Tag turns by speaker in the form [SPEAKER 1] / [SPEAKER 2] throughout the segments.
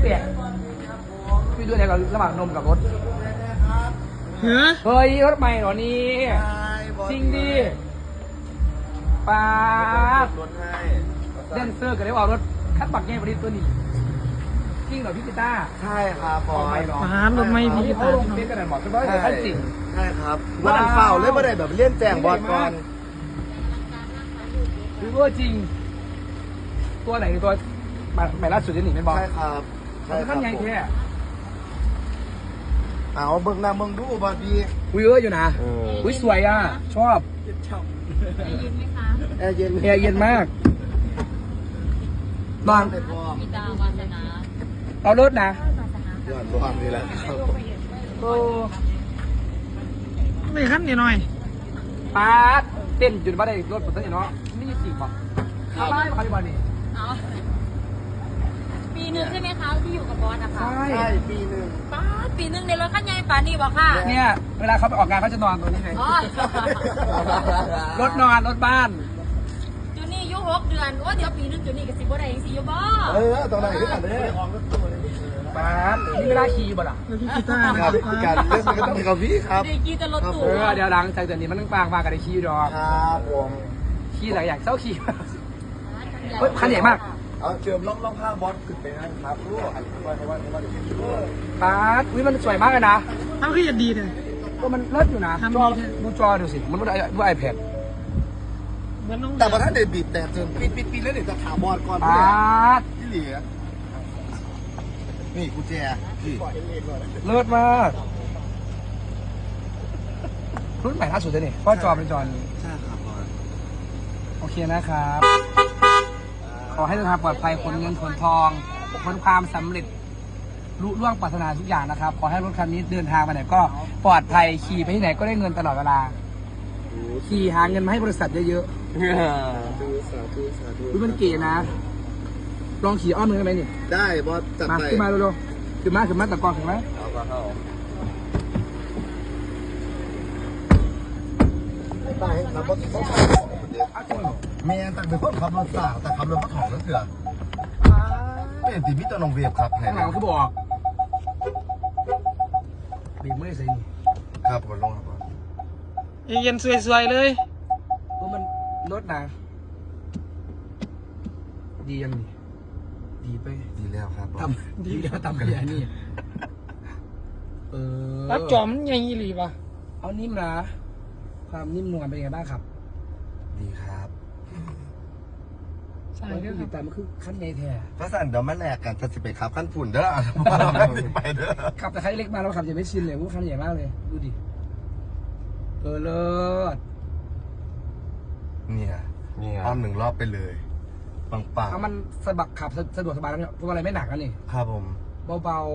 [SPEAKER 1] เปลี่ยนพี่ดูเนี่ยกับระหว่างนมกับรถ เฮ้ยรถใหม่เหรอนี่จริงดิป้าเดนเซอร์กันได้ว่ารถคัดบักแง่บริษตัวนี้จริงเหรอพี่กีตาร์
[SPEAKER 2] ใช่ครับบอส
[SPEAKER 3] ฟ้ารถไม่พี่
[SPEAKER 1] เขาลงเป็นกระดาษหมดเป็นร้อยแต่ขั้นจริง
[SPEAKER 2] ใช่ครับว่าดันเฝ้าเลยว่าได้แบบเลี่ยนแจงบอสก่อน
[SPEAKER 1] คือว่าจริง ตัวไหนตัวใหม่ล่าสุดจะหนีเป็นบอล
[SPEAKER 2] ใช่ครับใช่ครั
[SPEAKER 1] ขั้นใหญ่แค่
[SPEAKER 2] เอาเบิ่งหน้าเบิ่งดูบอสดี
[SPEAKER 1] อุ้ยเยอะอยู่นะอุ้ยสวยอ่ะชอบ
[SPEAKER 2] แอร์เย็น
[SPEAKER 1] แอร์เย็นมากนอน
[SPEAKER 2] เด็ดบอส
[SPEAKER 4] มีตาวาสนา
[SPEAKER 1] เอารถนะ
[SPEAKER 2] ยอดบอสนี่แหละครับ
[SPEAKER 1] โอ้
[SPEAKER 3] ไม่ขั้นนิดหน่อย
[SPEAKER 1] ป้าเต้นจุดบ้านได้รถผมตั้งแต่เนาะนี่จริงป่ะเข้าบ้านมาที่บ้านนี่
[SPEAKER 4] เอาปีหนึ่งใช่ไหมคะที่อยู่กับบอสอะค่ะ
[SPEAKER 2] ใช่ปีหนึ่ง
[SPEAKER 4] ป้าดปีหนึ่งในรถขั้นใหญ่ป่านนี่บอกค่ะ
[SPEAKER 1] เนี่ยเวลาเขาไปออกงานเขาจะนอนตรงนี้ไง
[SPEAKER 4] อ๋อ
[SPEAKER 1] รถนอนรถบ้าน
[SPEAKER 4] จูนี่อายุ6 เดือนว่าเดี๋ยวปีหนึ่งจูนี่กับ10บ่ได้ยังสิอยู่บ่
[SPEAKER 2] ตรงไหนขึ้นมาเลย
[SPEAKER 1] ป้านี่ไม่ได้ขี่บ่ล่ะ
[SPEAKER 3] แล้วพี่กีตาร์
[SPEAKER 2] ครับการเล่นมันก็ต้องมีกับพี่ครับ
[SPEAKER 4] เด็กกีจะรถตู้
[SPEAKER 1] เดี๋ยวหลังจากเดือนนี้มันต้องปางมากันได้ขี่ดอก
[SPEAKER 2] ครับผม
[SPEAKER 1] ขี่หลายอย่างเศร้าขี่เฮ้ยคันใหญ่มาก
[SPEAKER 2] เอาเจิมล่องข้างบอสขึ้นไปนะครับรู้อันว่าให้ว่าจะเป็นรู้
[SPEAKER 1] ป้าอุ้ยมันสวยมากเลยนะ
[SPEAKER 3] ทำคือจะดีเลย
[SPEAKER 1] ก็มันเลิศอยู่นะ
[SPEAKER 3] ทำ
[SPEAKER 1] จอ
[SPEAKER 3] ดี
[SPEAKER 1] ดูจอดูสิมันดูไอแพด
[SPEAKER 3] เหมือนน้อง
[SPEAKER 2] แต่พอท่านเด็ดบีบแต่เจิมปิดแล้วเดี๋ยวจะถามบอสก่อน
[SPEAKER 1] ป้า
[SPEAKER 2] ที่เหลือนี่กุญแจพี่
[SPEAKER 1] เลิศมากรุ่นใหม่ล่าสุดเลยนี่เพราะจอเป็นจอนี้
[SPEAKER 2] ใช่ครับบอส
[SPEAKER 1] โอเคนะครับ ขอให้เดินทางปลอดภัยขนเงินขนทองขนความสำเร็จลุล่วงปรารถนาทุกอย่างนะครับ ขอให้รถคันนี้เดินทางไปไหนก็ปลอดภัยขี่ไปที่ไหนก็ได้เงินตลอดเวลา ขี่หาเงินมาให้บริษัทเยอะ
[SPEAKER 2] ดูสาธุสาธุ
[SPEAKER 1] ๆอุ๊ยมันเก๋นะ ลองขี่อ้อมมือได้ไหมนี่
[SPEAKER 2] ได้บอสจัด
[SPEAKER 1] มา
[SPEAKER 2] ไป
[SPEAKER 1] ขึ้นมาเร็วๆขึ้นมาตะกอนถึงไหม
[SPEAKER 2] เอามาเข้าได้ครับบอสต้องใช้ของคนเดียว
[SPEAKER 1] อ้าวจริงเหรอ
[SPEAKER 2] เมียตั้งเป็นคนขับรถสาวแต่ขับรถก็ถอดรถเถื่อนเป็นตีมิตรนองเวียบครับ
[SPEAKER 1] ข้างหลังคือบอกบีบมือใส่นี่
[SPEAKER 2] ครับผมลงครับ
[SPEAKER 3] เย็นสวยๆเลย
[SPEAKER 1] เพราะมันรถนะดียังนี่ดีไป
[SPEAKER 2] ดีแล้วครับ
[SPEAKER 1] ทำดีแล้วทำกันอย่างนี้
[SPEAKER 3] แล้วจอมมันใหญ่หรือปะ
[SPEAKER 1] เอานิ่มนะ ความนิ่มนวลเป็นยังไงบ้างครับ
[SPEAKER 2] ดีครับ
[SPEAKER 3] ใช่
[SPEAKER 1] มัน
[SPEAKER 3] ด้
[SPEAKER 1] ก็
[SPEAKER 3] วย
[SPEAKER 1] อ
[SPEAKER 3] ครั
[SPEAKER 1] ยู่
[SPEAKER 3] บ
[SPEAKER 1] แต่มันคือขั้นใหญ่แท้
[SPEAKER 2] พระสันเดี๋ยวมาแลกกันจะไปขับขั้นฝุ่นเด้อไปเด้อ
[SPEAKER 1] ขับแต่คันเล็กมาเราขับจะไม่ชินเลยพวกคันใหญ่มากเลย ดูดิ เลิศ
[SPEAKER 2] เนี่ยอ้อมหนึ่งรอบไปเลยปัง
[SPEAKER 1] เอามันสะบักขับสะดวกสบายแล้วเนี่ยพวกอะไรไม่หนักแล้วนี่
[SPEAKER 2] ๆครับผม
[SPEAKER 1] เบา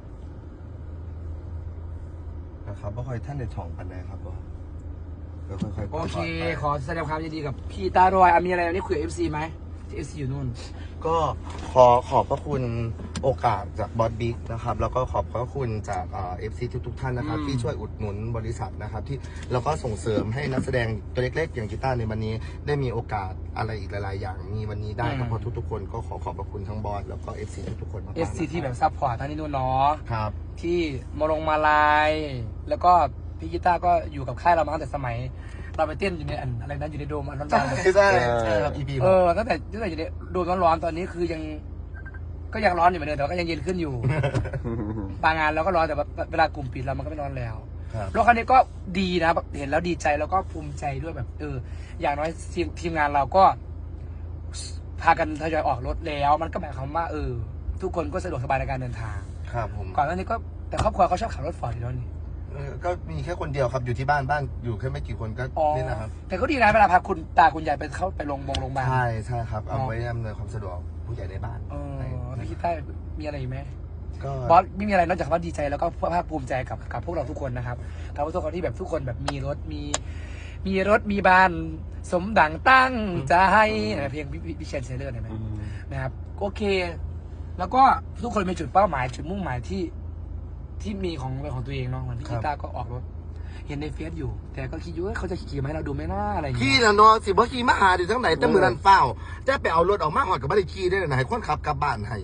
[SPEAKER 2] นะครับว่าคอยท่านในถ่องปันได้ครับบอสก็ค่อยๆ
[SPEAKER 1] ๆโอเค ขอแสดงความยินดีกับพี่ตาดอยมีอะไรวันนี้คุยกับ FC ไหมที่ FC อยู่นู่น
[SPEAKER 2] ก็ขอบพระคุณโอกาสจากบอสบิ๊กนะครับแล้วก็ขอบพระคุณจากFC ทุกท่านนะครับที่ช่วยอุดหนุนบริษัทนะครับที่แล้วก็ส่งเสริมให้นักแสดงตัวเล็กๆอย่างกีตาร์ในวันนี้ได้มีโอกาสอะไรอีกหลายๆอย่างมีวันนี้ได้ก็เพราะทุกๆคนก็ขอบพระคุณทั้งบอสแล้วก็ FC ทุกๆคนมากๆ
[SPEAKER 1] FC ที่แบบซัพพอร์ตทั้งนี้นู่นเนาะ
[SPEAKER 2] ครับ
[SPEAKER 1] ที่มาลาย แล้วก็พี่กีตาร์ก็อยู่กับค่ายเรามาตั้งแต่สมัย เราไปเต้นอยู่ในอะไรนั้นอยู่ในโดมอันร้อนๆ
[SPEAKER 2] ใช่ครับ EP
[SPEAKER 1] ตั้งแต่อยู่ในโดมร้อนๆตอนนี้คือก็ยังร้อนอยู่เหมือนเดิมแต่ว่าก็ยังเย็นขึ้นอยู่ บางงานเราก็ร้อนแต่ว่าเวลากลุ่มปิดเรามันก็ไม่ร้อนแล้ว
[SPEAKER 2] ครับ
[SPEAKER 1] รถคันนี้ก็ดีนะเห็นแล้วดีใจแล้วก็ภูมิใจด้วยแบบอย่างน้อยทีมงานเราก็ พากันทยอยออกรถแล้ว มันก็หมายความว่าทุกคนก็สะดวกสบายในการเดินทาง
[SPEAKER 2] ครับผม
[SPEAKER 1] ก่อนหน้านี้ก็แต่ครอบครัวเขาชอบขับรถฟอร์ดอยู่แล้วนี่
[SPEAKER 2] ก็มีแค่คนเดียวครับอยู่ที่บ้านอยู่แค่ไม่กี่คนก็นี่นะครับ
[SPEAKER 1] แต่ก็ดีนะเวลาพาคุณตาคุณยายไปเข้าไปโรงพยาบาล
[SPEAKER 2] ใช่ครับเอาไว้อำนวยความสะดวกผู้ใหญ่ในบ้าน
[SPEAKER 1] พี่คิดได้มีอะไรอีกไหม
[SPEAKER 2] ก็
[SPEAKER 1] บอสไม่มีอะไรนอกจากว่าดีใจแล้วก็ภาคภูมิใจกับพวกเราทุกคนนะครับกับทุกคนที่แบบทุกคนแบบมีรถมีบ้านสมดังตั้งใจเพลงพี่เชนเซเลอร์เห็นไหมนะครับโอเค แล้วก็ทุกคนมีจุดเป้าหมายจุดมุ่งหมายที่มีของตัวเองเนาะเหมือนพี่กีตาร์ก็ออกรถเห็นในเฟซอยู่ แต่ก็คิดอยู่ว่าเขาจะขี่มาให้เราดูไหมน่าอะไรอย่าง
[SPEAKER 2] ขี่
[SPEAKER 1] เงี้ย
[SPEAKER 2] นะเนาะสิบ่ขี่มาหาดิทั้งไหนแต่มือนันเฝ้าจะไปเอารถออกมาหอดกับบ้านขี่ได้เลยนะให้คนขับกลับบ้านให้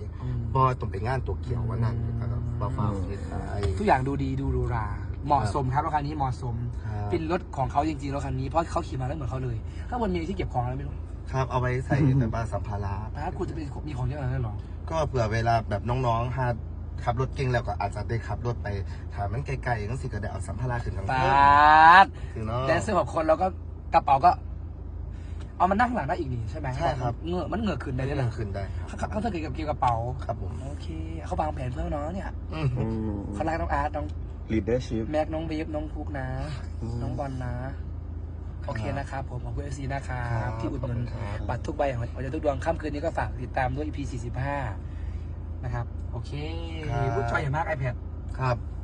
[SPEAKER 2] บอต้องไปงานตัวเกี่ยววันนั้นนะครับบ่ฟ้าเฮ็ดได้
[SPEAKER 1] ทุกอย่างดูดีดูหรูหราเหมาะสมครับรถคันนี้เหมาะสม
[SPEAKER 2] ครับ
[SPEAKER 1] เป็นรถของเขาจริงๆรถคันนี้เพราะเขาขี่มาแล้วเหมือนเขาเลยข้างบนมีที่เก็บของอะไรไม่รู้
[SPEAKER 2] ครับเอาไว้ใส่แต่ว่าสัมภาระ
[SPEAKER 1] ป้าคุณจะเป็นมีของเยอะขนาดนั้นเหรอ
[SPEAKER 2] ก็เผื่อเวลาแบบน้องๆหาขับรถเก่งแล้วก็อาจจะได้ขับรถไปถามมันไกลๆอย่างนั้นสิก็ได้เอาสัมภาระขึ้นทาง
[SPEAKER 1] ป้
[SPEAKER 2] เพิ่
[SPEAKER 1] าด
[SPEAKER 2] คือเนาะ
[SPEAKER 1] แดนเซอร์6 คนแล้วก็กระเป๋าก็ เอามานั่งข้างหลังได้อีกนี่ใช่ไหม
[SPEAKER 2] ใช่ครับ
[SPEAKER 1] เงือกมันเหงือกขึ้นได้
[SPEAKER 2] ได้
[SPEAKER 1] ด้วย
[SPEAKER 2] นั่
[SPEAKER 1] นะ
[SPEAKER 2] งขึ้นได้ครับ
[SPEAKER 1] เขาถ้าเกิดกับเกี่ยวกับกระเป๋า
[SPEAKER 2] ครับผม
[SPEAKER 1] โอเคเขาวางแผนเพื่อน้องเนี่ย
[SPEAKER 2] อืม
[SPEAKER 1] เขารักน้องอาร์ตน้อง
[SPEAKER 5] leadership
[SPEAKER 1] แม็กน้องบีฟน้องพุกนะ น้องบอลนะ โอเคนะครับผมของคุณเอฟซีนะครับที่อุดหนุนบัตรทุกใบของเราจะทุกดวงค่ำคืนนี้ก็ฝากติดตามด้วย EP 45นะครับโอเคพูดจอยอย่างมาก iPad
[SPEAKER 2] ครับ